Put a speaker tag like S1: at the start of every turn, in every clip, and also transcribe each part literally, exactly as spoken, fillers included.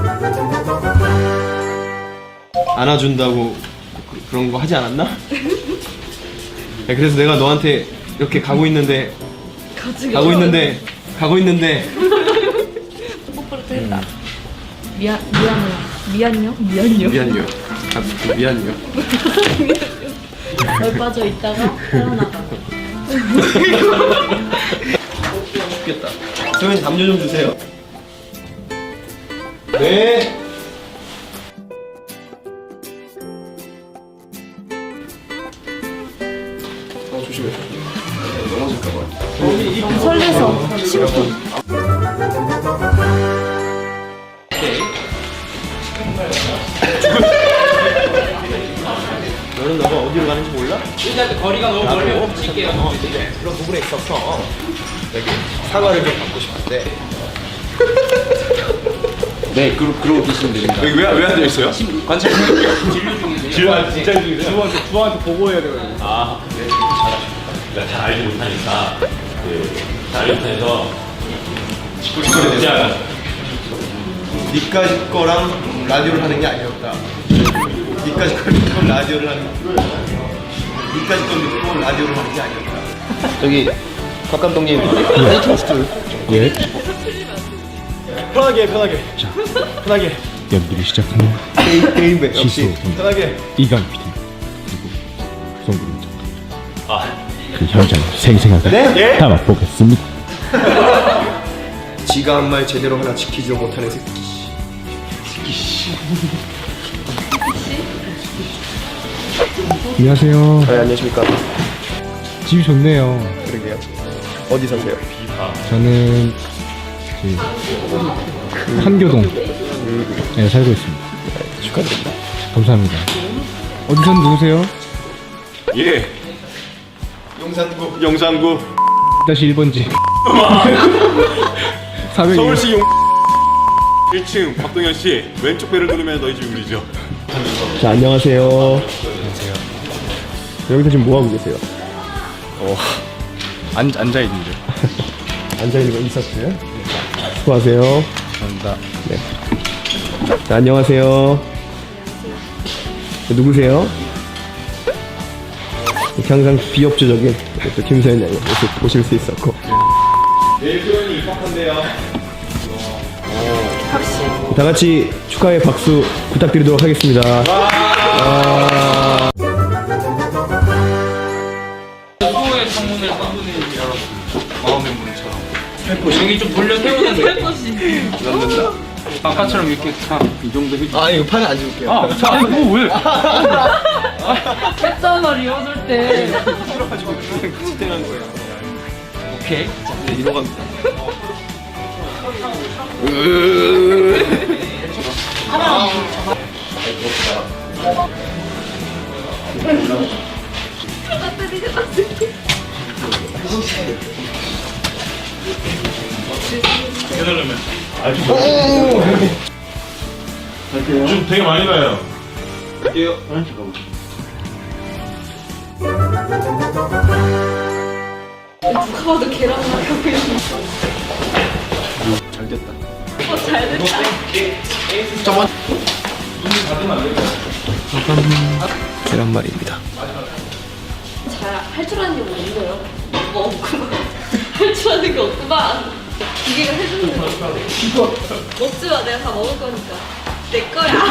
S1: 안아준다고 그, 그런 거 하지 않았나? 야, 그래서 내가 너한테 이렇게 가고 있는데 가고 있는데 가고 있는데
S2: 뽀뽀를 또 했다. 미안 미안해요. 미안요? 미안요.
S1: 미안요. 아, 미안요.
S2: 널 빠져 있다가 태어나가.
S1: 죽겠다. 소연이 담요 좀 주세요. 네. 어 조심해. 넘어질까봐.
S2: 너무 설레서 심쿵.
S1: 너는 너가 어디로 가는지 몰라?
S3: 일단 거리가 너무 멀면 붙일게요.
S1: 어, 근데 그런 부분에 있어서 여기 사과를 좀 받고 싶은데.
S3: 네, 그러, 그러고 계시면 됩니다.
S1: 여기 왜, 왜 앉아 있어요?
S3: 관찰 진료 중이세요?
S1: 진료 아, 진짜 중이세요?
S3: 두한테 두한테 보고해야 되거든요.
S4: 아, 네. 잘하십니다. 그러니까 잘 알지 못하니까 그 잘 알지 못해서
S1: 직구직거리 되지 않아. 니까지 거랑 라디오를 하는 게 아니었다. 니까지 걸 듣고 라디오를 하는 니까지 걸 듣고 라디오를 하는 게 아니었다. 저기 박 감독님 페이크스트
S5: 예.
S1: 편하게 편하게 자 편하게
S5: 연기를 시작하는
S1: 게임 게임배 역시
S5: 시소
S1: 편하게
S5: 이강 피디 그리고 송구림 작가
S4: 아,
S5: 그 현장을 생생하게
S1: 네? 예?
S5: 담아보겠습니다.
S1: 지가 한 말 제대로 하나 지키지 못하는 새끼.
S5: 안녕하세요.
S1: 네, 안녕하십니까.
S5: 집이 좋네요.
S1: 그러게요. 어디 사세요?
S5: 저는 그 한교동에 살고 있습니다.
S1: 축하드립니다.
S5: 감사합니다. 어디선 누구세요?
S4: 예.
S1: 용산구.
S4: 영산구
S5: 다시 일 번지. 사백이
S4: 서울시 용 일 층 박동현 씨 왼쪽 배를 누르면 너희 집 울리죠.
S1: 자, 안녕하세요. 안녕하세요. 여기서 지금 뭐 하고 계세요?
S5: 어, 앉, 앉아있는데.
S1: 앉아있는 거 있었어요? 수고하세요.
S5: 감사합니다.
S1: 네. 자, 안녕하세요. 누구세요? 이렇게 항상 비협조적인 또 김서연 양의 모습 보실 수 있었고. 내일 소연이 입학한대요. 다 같이 축하의 박수 부탁드리도록 하겠습니다. 와.
S3: 수호의 창문을 한분이 열었습니다. 마음의 문처럼. 여기 좀 돌려 세우는 느낌.
S1: 넣는다.
S3: 아까처럼 이렇게 탁이 정도 해주.
S1: 아, 이거 판에 안 줄게요.
S3: 아, 자, 이거 왜?
S2: 했잖아 리허설 때.
S1: 들어가지고 그냥 거예요.
S3: 오케이.
S1: 자, 이제 이러 갑니다.
S4: 해달라면. 좀 되게 많이 가요.
S1: 갈게요.
S2: 누가 봐도 계란 말하고 있는.
S1: 잘 됐다.
S2: 어, 잘 됐다.
S1: 잠깐만. 계란말이입니다.
S2: 잘 할 줄 아는 게 없네요. 뭐 없구만. 할 줄 아는 게 없구만. 기계가 해주는 거. 먹지 마. 내가 다 먹을 거니까. 내 거야.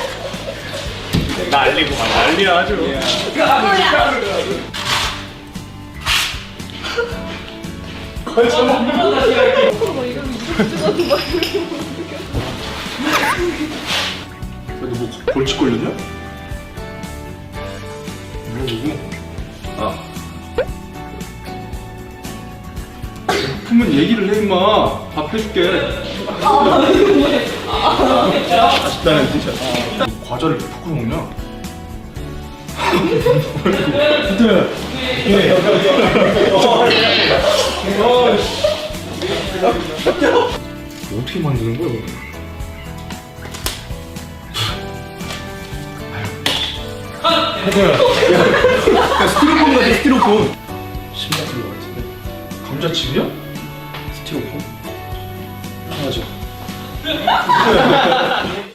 S4: 난리고 막 난리야 아주.
S2: 내 거야.
S4: 너 뭐 벌칙 걸렸냐? 뭐 누구? 아. 품은 얘기를 해 임마. 밥 해줄게.
S1: 아쉽다는 뜻이야.
S4: 과자를 왜 부끄러 먹냐?
S1: 어떻게 만드는 거야, 이거? 야, 스티로폼 같아, 스티로폼. 심 같은 거 같은데?
S4: 감자칩이야?
S1: 스티로폼? 하나죠.